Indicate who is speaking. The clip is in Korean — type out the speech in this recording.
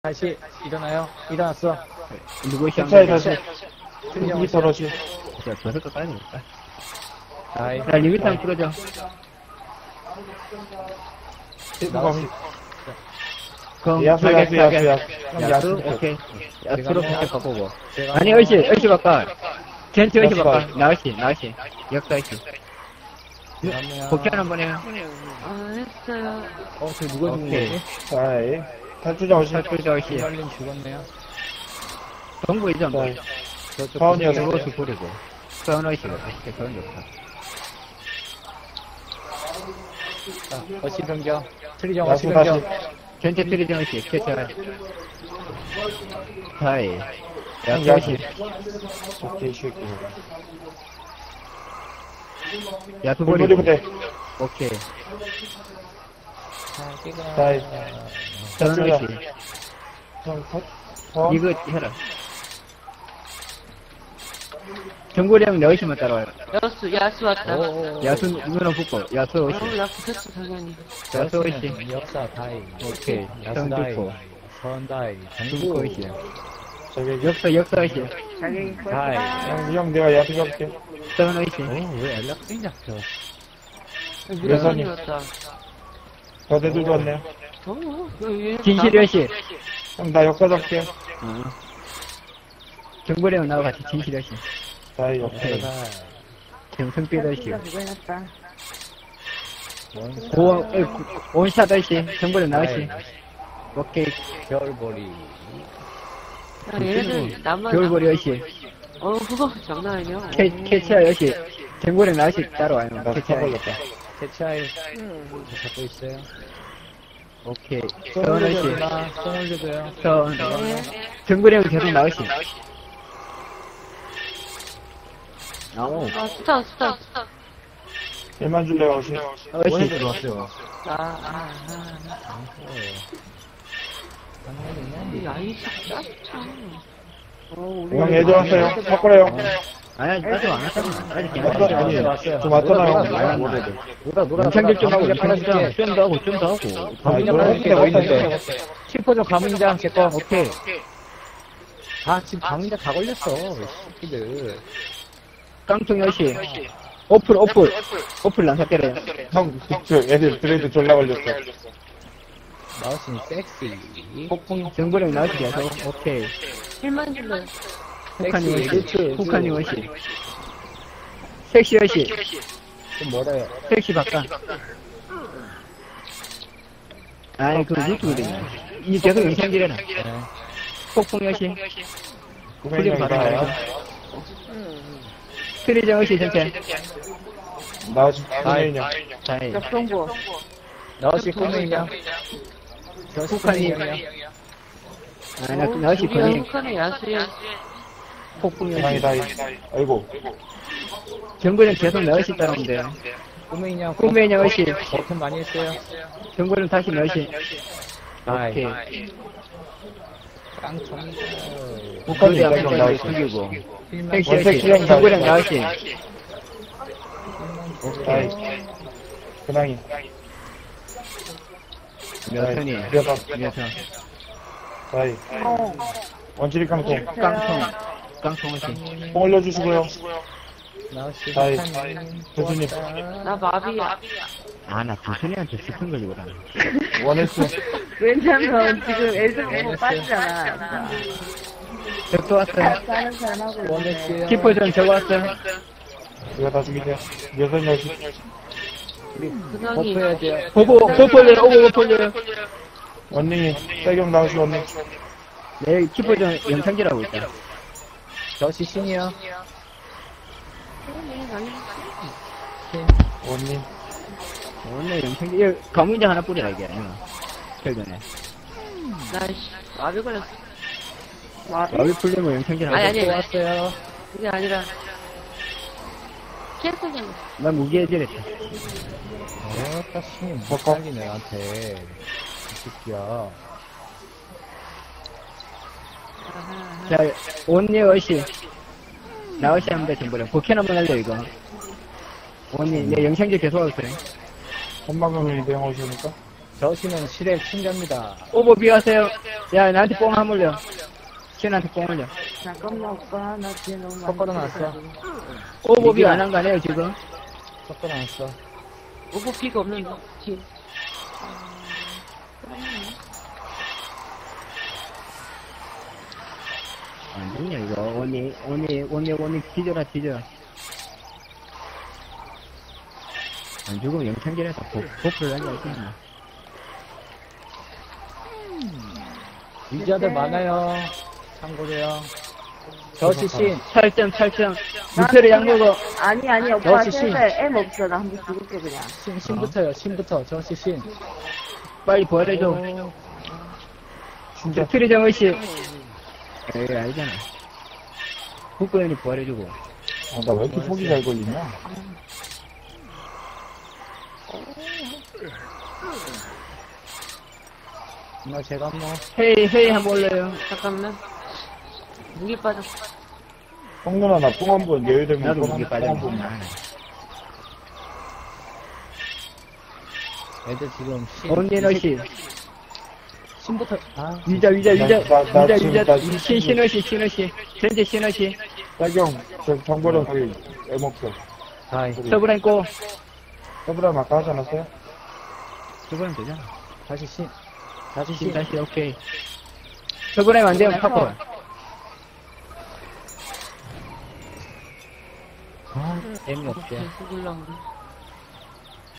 Speaker 1: 다시 일어나요. 일어났어.
Speaker 2: 누구시
Speaker 3: 차에 다시
Speaker 1: 틀리정
Speaker 3: 여기 떨어지.
Speaker 2: 자, 버섯도 까야겠다.
Speaker 1: 아이,
Speaker 2: 자, 리미트 한번 풀어줘.
Speaker 1: 나왔어.
Speaker 2: 그럼,
Speaker 3: 야수.
Speaker 2: 야수? 오케이. 야수로
Speaker 1: 제가
Speaker 2: 바꿔 바꾸고.
Speaker 1: 제가
Speaker 2: 아니, 얼씨 바꿔. 젠트 얼씨
Speaker 3: 역사.
Speaker 2: 바꿔. 나얼씨. 역사 얼씨.
Speaker 1: 그러면
Speaker 2: 복귀 한번 해요.
Speaker 4: 했어요.
Speaker 1: 저 누가 죽은
Speaker 2: 오케이.
Speaker 1: 거지?
Speaker 3: 자이. 탈주자 오시.
Speaker 2: 탈출자 얼씨.
Speaker 1: 이발린 죽었네요.
Speaker 2: 정부이죠, 뭐.
Speaker 1: 저쪽
Speaker 3: 사원이요,
Speaker 1: 구석에
Speaker 2: 그것을 부리고. 서원 얼씨가. 서원 좋다.
Speaker 1: 자, 어시 변경. 트리정
Speaker 3: 야수
Speaker 1: 어시
Speaker 3: 다시.
Speaker 1: 변경.
Speaker 2: 젠트 트리정 얼씨. 캐쳐. 하이. 야수
Speaker 3: 야수.
Speaker 2: 얼씨.
Speaker 3: 오케이, 쉐이크.
Speaker 2: 야수
Speaker 3: 돌돌이
Speaker 2: 버리고.
Speaker 3: 부대.
Speaker 2: 오케이.
Speaker 3: 자이.
Speaker 2: 서원
Speaker 3: 탈주자.
Speaker 2: 얼씨.
Speaker 3: 어?
Speaker 2: 이거 해라. 정구령 내 얼씨만 따라와요.
Speaker 4: 야수 왔다.
Speaker 2: 야수 눈을 붙고. 야수 얼씨.
Speaker 4: 나 붙었어, 당연히.
Speaker 2: 야수 얼씨.
Speaker 1: 역사 다이.
Speaker 2: 오케이.
Speaker 1: 야수
Speaker 2: 성
Speaker 1: 다이.
Speaker 2: 듣고.
Speaker 1: 선 다이.
Speaker 2: 중국
Speaker 1: 정구
Speaker 2: 얼씨.
Speaker 3: 저기,
Speaker 2: 역사 얼씨.
Speaker 1: 다이.
Speaker 3: 형, 내가 야수 잡게.
Speaker 2: 서원 얼씨.
Speaker 1: 왜 연락이 잡혀?
Speaker 3: 예선이.
Speaker 4: 왔다.
Speaker 3: 저대들도 왔네요.
Speaker 2: 진실이 얼씨.
Speaker 3: 형, 나 역사 잡게.
Speaker 2: 정구령 나와 같이 진실이 얼씨.
Speaker 3: 자이, 오케이.
Speaker 2: 정성빛 얼씨. 온샷 얼씨. 정구령 나얼씨. 오케이.
Speaker 1: 겨울보리.
Speaker 4: 얘네들 나만.
Speaker 2: 겨울보리 얼씨.
Speaker 4: 그거 장난 아니야.
Speaker 2: 캐치아 얼씨. 정구령 나얼씨 따라와요.
Speaker 3: 나
Speaker 2: 캐치아.
Speaker 3: 써버렸다.
Speaker 1: 대차이 잡고 있어요.
Speaker 2: 오케이.
Speaker 1: 송
Speaker 2: 서원 얼씨.
Speaker 1: 올려줘요. 송 올려줘요.
Speaker 2: 서원. 정구령 계속 나얼씨.
Speaker 4: 스타.
Speaker 3: 1만 줄래요, 오시.
Speaker 2: 얼씨.
Speaker 1: 들어왔어요.
Speaker 4: 이 아이씨, 짜증나.
Speaker 3: 형, 애들 왔어요. 바꾸래요.
Speaker 2: 아니, 아직 안 왔잖아. 아직 안
Speaker 3: 왔어?
Speaker 2: 왔잖아.
Speaker 3: 아니,
Speaker 1: 왔어요.
Speaker 3: 좀 왔잖아요.
Speaker 1: 놀아.
Speaker 2: 영창길 좀 하고,
Speaker 1: 팔아줄게.
Speaker 2: 좀 더 하고.
Speaker 1: 가문장 팔아줄게. 뭐 있는데. 슈퍼죠 가문장 제거.
Speaker 2: 오케이.
Speaker 1: 지금 가문장 다 걸렸어. 이 새끼들.
Speaker 2: 깡통 열시. 오플 난사 때려요.
Speaker 3: 형, 저 애들 드레이드 졸라 걸렸어.
Speaker 1: 나우스는 섹시.
Speaker 2: 폭풍 정보령 나오시게 해서, 오케이.
Speaker 4: 1만 줄래.
Speaker 2: 북한이
Speaker 1: 섹시,
Speaker 2: 월시.
Speaker 1: 그치,
Speaker 2: 북한이 월시. 섹시 열시.
Speaker 1: 좀 뭐래요?
Speaker 2: 섹시 바꿔. 아니, 그 유튜브거든요. 이 계속 영상질해라.
Speaker 1: 네.
Speaker 2: 폭풍 열시.
Speaker 3: 구매형
Speaker 2: 받아요.
Speaker 3: 이봐요.
Speaker 2: 트리정 열시 전체.
Speaker 3: 나오시, 구매형.
Speaker 2: 다이.
Speaker 4: 역동부.
Speaker 1: 나우스 꼬맹이냐?
Speaker 2: 북한이. 아, 나오시
Speaker 4: 우리
Speaker 2: 거의
Speaker 4: 북한의 야수야.
Speaker 2: 폭풍
Speaker 3: 세상이
Speaker 2: 열시.
Speaker 3: 다이. 아이고.
Speaker 2: 정보령 계속 나오시 따라오는데.
Speaker 1: 꼬맹이냐?
Speaker 2: 꼬맹이 열시.
Speaker 1: 버튼 많이 했어요.
Speaker 2: 정보령 다시 열시.
Speaker 1: 아이.
Speaker 2: 오케이.
Speaker 1: 깡통.
Speaker 3: 북한이
Speaker 2: 그래야
Speaker 3: 이따금 나오시.
Speaker 2: 죽이고.
Speaker 1: 필만
Speaker 2: 섹시
Speaker 3: 원색
Speaker 2: 열시. 정보령 나오시.
Speaker 3: 다이. 근황이.
Speaker 2: 몇선이.
Speaker 3: 몇선.
Speaker 2: 몇선.
Speaker 3: 다이. 원칠이 깡통.
Speaker 2: 깡통 열시.
Speaker 3: 뽕 올려주시고요.
Speaker 1: 나우스
Speaker 3: 다이.
Speaker 1: 북한인.
Speaker 3: 교수님.
Speaker 4: 나 마비야.
Speaker 2: 아, 나 두순이한테 스푼 걸리거든.
Speaker 3: 원했어.
Speaker 4: 왜냐면 지금 애들 보고 빠지잖아.
Speaker 2: 적도 왔어요.
Speaker 4: 다른 사람하고.
Speaker 1: 원했어요.
Speaker 2: 키퍼전 저거 왔어요.
Speaker 3: 이거 다 죽이세요. 여섯 여시.
Speaker 4: 근황이.
Speaker 1: 버프해야 돼요.
Speaker 2: 보폴려요. 오고 보폴려요.
Speaker 3: 원닝이. 세경 나오시 원닝.
Speaker 2: 내 키퍼전 영상질하고 있다.
Speaker 1: 저시 신이요.
Speaker 3: 원닝.
Speaker 2: 오늘 영상질, 가문장 하나 뿌리라, 이게. 최근에.
Speaker 4: 나이씨, 마비 걸렸어.
Speaker 2: 마비 풀리면 영상질 하고.
Speaker 4: 아니.
Speaker 1: 또 왔어요.
Speaker 4: 그게 아니라. 캐스팅.
Speaker 2: 난 무기해지랬다.
Speaker 1: 딱 신이 못
Speaker 3: 버퍼.
Speaker 1: 살리네, 나한테. 이 새끼야.
Speaker 2: 자, 온니 어시. 나어시 하면 돼, 전부랑. 복현 한번 할래, 이거. 온니, 내 영상질 계속 하고 있어요.
Speaker 3: 선방금이 대응 오시니까.
Speaker 1: 저시는 실의 충자입니다.
Speaker 2: 오버 비하세요. 야, 나한테 뽕 한 올려. 신한테 뽕 올려.
Speaker 4: 잠깐만, 오빠. 나 뒤에 너무 많이.
Speaker 1: 섞어도 놨어.
Speaker 2: 오버비 안 한 거 아니에요, 지금?
Speaker 1: 섞어놨어.
Speaker 4: 오버 피가 없는데. 뒤에.
Speaker 2: 안 되냐, 이거. 원이, 뒤져라, 뒤져. 안 죽으면 영창길에서 보프를 하려고 했지.
Speaker 1: 유저들 많아요. 참고로요. 저시신.
Speaker 2: 찰점. 무패를 양보고.
Speaker 4: 아니, 오빠.
Speaker 1: 역시 신.
Speaker 4: 셀 M 없어. 나 한번 죽을게, 그냥.
Speaker 1: 신부터요. 신부터. 저시신.
Speaker 2: 빨리 부활해줘.
Speaker 3: 진짜.
Speaker 2: 트리정 의식. 에이, 알잖아. 국고연이 부활해주고.
Speaker 3: 나 왜 이렇게 속이 잘 걸리냐?
Speaker 1: 나 제가 뭐.
Speaker 2: 헤이 한번 올려요.
Speaker 4: 잠깐만. 무기 빠졌어.
Speaker 3: 성누나 나 뽕 한 번, 예외되면
Speaker 2: 나도
Speaker 3: 뽕
Speaker 2: 무기
Speaker 3: 한 번.
Speaker 2: 빠졌구나.
Speaker 1: 애들 지금
Speaker 2: 언니 의식.
Speaker 1: 신부터. 아,
Speaker 2: 위자,
Speaker 3: 나
Speaker 2: 신의식. 전체 신의식.
Speaker 3: 딸경, 저 정보령 거기 애먹죠.
Speaker 1: 다이.
Speaker 2: 서브라인 꼬.
Speaker 3: 서브람 아까 하지 않았어요?
Speaker 2: 서브라인 되잖아.
Speaker 1: 다시 신. 다시
Speaker 2: 신
Speaker 1: 신.
Speaker 2: 다시, 오케이. 서브라인 안 되면 파고.
Speaker 1: 아, 재미없게.
Speaker 4: 죽을라, 우리.